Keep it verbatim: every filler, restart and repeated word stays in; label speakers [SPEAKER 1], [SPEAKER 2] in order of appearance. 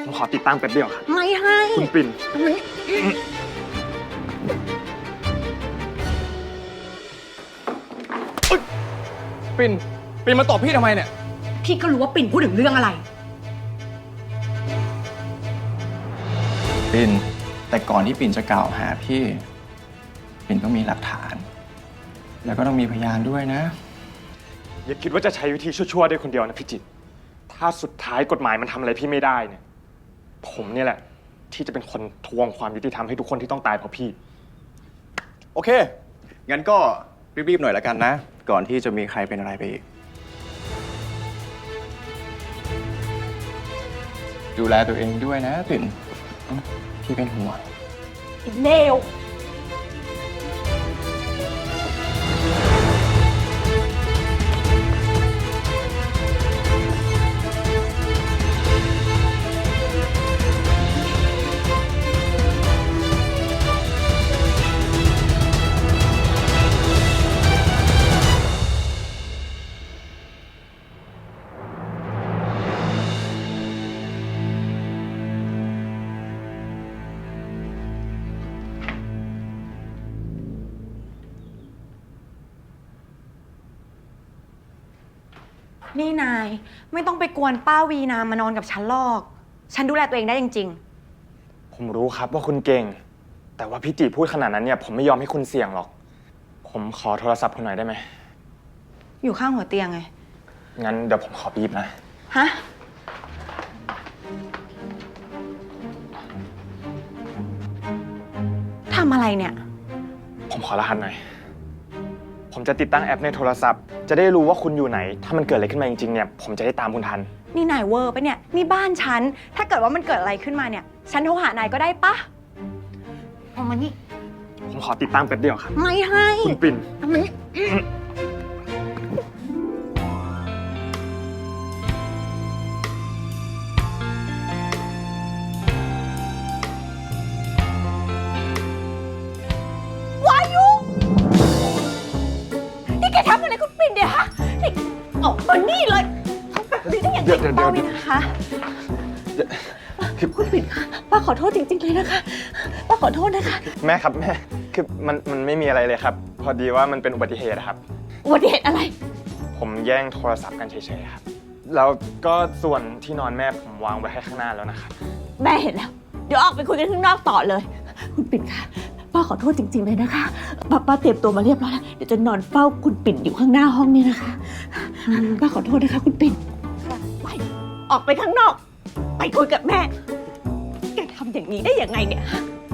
[SPEAKER 1] ผมขอติดตั้งแป๊บเดียวครับ
[SPEAKER 2] ไม่ให้
[SPEAKER 1] คุณปิ่น
[SPEAKER 3] ปิ่นปิ่นมาตอบพี่ทำไมเนี่ย
[SPEAKER 2] พี่ก็รู้ว่าปิ่นพูดถึงเรื่องอะไร
[SPEAKER 3] ปิ่นแต่ก่อนที่ปิ่นจะกล่าวหาพี่ปิ่นต้องมีหลักฐานแล้วก็ต้องมีพยานด้วยนะ
[SPEAKER 1] อย่าคิดว่าจะใช้วิธีชั่วๆได้คนเดียวนะพี่จิตรถ้าสุดท้ายกฎหมายมันทำอะไรพี่ไม่ได้เนี่ยผมเนี่ยแหละที่จะเป็นคนทวงความยุติธรรมให้ทุกคนที่ต้องตายเพราะพี่
[SPEAKER 3] โอเคงั้นก็รีบๆหน่อยละกันนะก่อนที่จะมีใครเป็นอะไรไปอีกดูแลตัวเองด้วยนะปิ่นพี่เป็นห่วง
[SPEAKER 2] เลวนี่นายไม่ต้องไปกวนป้าวีนามานอนกับฉันหรอกฉันดูแลตัวเองได้จริง
[SPEAKER 1] ๆผมรู้ครับว่าคุณเก่งแต่ว่าพี่จิพูดขนาดนั้นเนี่ยผมไม่ยอมให้คุณเสี่ยงหรอกผมขอโทรศัพท์คุณหน่อยได้ไหม
[SPEAKER 2] อยู่ข้างหัวเตียงไง
[SPEAKER 1] งั้นเดี๋ยวผมขอบีบนะ
[SPEAKER 2] ฮะทำอะไรเนี่ย
[SPEAKER 1] ผมขอรหัสหน่อยผมจะติดตั้งแอปในโทรศัพท์จะได้รู้ว่าคุณอยู่ไหนถ้ามันเกิดอะไรขึ้นมาจริงๆเนี่ยผมจะได้ตามคุณทัน
[SPEAKER 2] นี่นายเวอร์ปะเนี่ยนี่บ้านฉันถ้าเกิดว่ามันเกิดอะไรขึ้นมาเนี่ยฉันโทรหานายก็ได้ปะเอามานี่
[SPEAKER 1] ผมขอติดตั้งแป๊บเดียวครับ
[SPEAKER 2] ไม่ให้
[SPEAKER 1] คุณปิ่น
[SPEAKER 2] เอามานี่แกทำอะไรคุณปิ่นเดี๋ยวฮะนี่ออกมานี่เลยนี่ได้ยังไงป้าวินนะคะคุณปิ่นคะป้าขอโทษจริงๆเลยนะคะป้าขอโทษนะคะ
[SPEAKER 1] แม่ครับแม่คือมันมันไม่มีอะไรเลยครับพอดีว่ามันเป็นอุบัติเหตุครับ
[SPEAKER 2] อุบัติเหตุอะไร
[SPEAKER 1] ผมแย่งโทรศัพท์กันเฉยๆครับแล้วก็ส่วนที่นอนแม่ผมวางไว้ให้ข้างหน้าแล้วนะครับ
[SPEAKER 2] แม่เห็นแล้วเดี๋ยวออกไปคุยกันข้างนอกต่อเลยคุณปิ่นคะป้าขอโทษจริงๆเลยนะคะป้าป้าเตรียมตัวมาเรียบร้อยแล้วเดี๋ยวจะนอนเฝ้าคุณปิ่นอยู่ข้างหน้าห้องนี่นะคะป้าขอโทษนะคะคุณปิ่นไปออกไปข้างนอกไปคุยกับแม่แกทำอย่างนี้ได้ยังไงเนี่ย